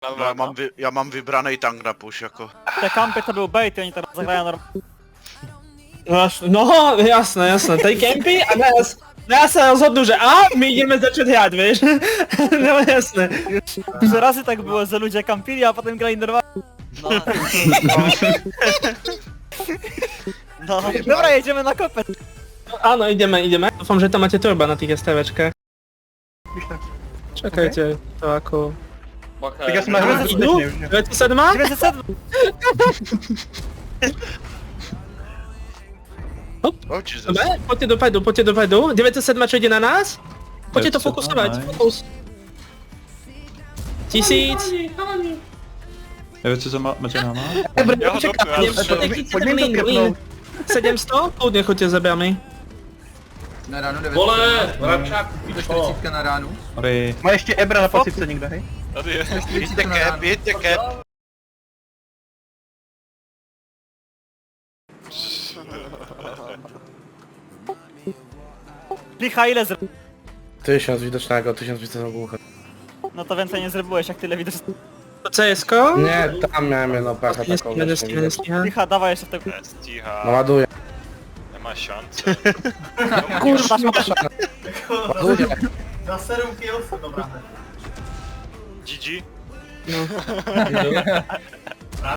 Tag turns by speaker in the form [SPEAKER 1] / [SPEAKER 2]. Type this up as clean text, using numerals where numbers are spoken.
[SPEAKER 1] Ja mam wybrane i tank na push jako.
[SPEAKER 2] Te kampy to był bait i oni teraz zagrają normalnie.
[SPEAKER 3] No, jasne, tej campy, a teraz oddużę, a my idziemy zacząć jad, wiesz? No jasne.
[SPEAKER 2] Już razy tak było, że ludzie kampili, a potem grali normalnie. No. Dobra, jedziemy na kopę.
[SPEAKER 3] A no, idziemy. Ufam, że to macie turbo na tych jasteweczkach. Czekajcie, to aku...
[SPEAKER 4] Tak ja smażę
[SPEAKER 3] Idu? Lecę sedma?
[SPEAKER 2] 900.
[SPEAKER 1] O Jesus.
[SPEAKER 3] Dobra, pocie do pajdu. 907 czy idzie na nas? Pocie to fokusować, fokus. T-seeds.
[SPEAKER 5] Ja wiecie co macie mama?
[SPEAKER 3] Dobra, uciekamy. Win. 700? Południe chodźcie zabiamy.
[SPEAKER 6] Na ránu jde
[SPEAKER 4] Vole, vrabčák,
[SPEAKER 6] ve 40 na ránu.
[SPEAKER 5] Aby...
[SPEAKER 4] Má ještě Ebra na pasivce někde, hej?
[SPEAKER 1] Jedźcie cap, jedźcie cap.
[SPEAKER 2] Licha ile zrobił?
[SPEAKER 7] 1000 widocznego, 1000 widocznego głucha.
[SPEAKER 2] No to więcej nie zrobiłeś, jak tyle widzisz.
[SPEAKER 3] To CS-ko?
[SPEAKER 7] Nie, tam miałem jedną pechę taką.
[SPEAKER 2] Licha, dawaj jeszcze w tego.
[SPEAKER 8] Cicha,
[SPEAKER 7] No ładuję.
[SPEAKER 8] nie ma szans.
[SPEAKER 2] Kurwa,
[SPEAKER 7] Ładuję.
[SPEAKER 4] Na serum Kielsa, dobra.
[SPEAKER 8] GG?
[SPEAKER 3] No.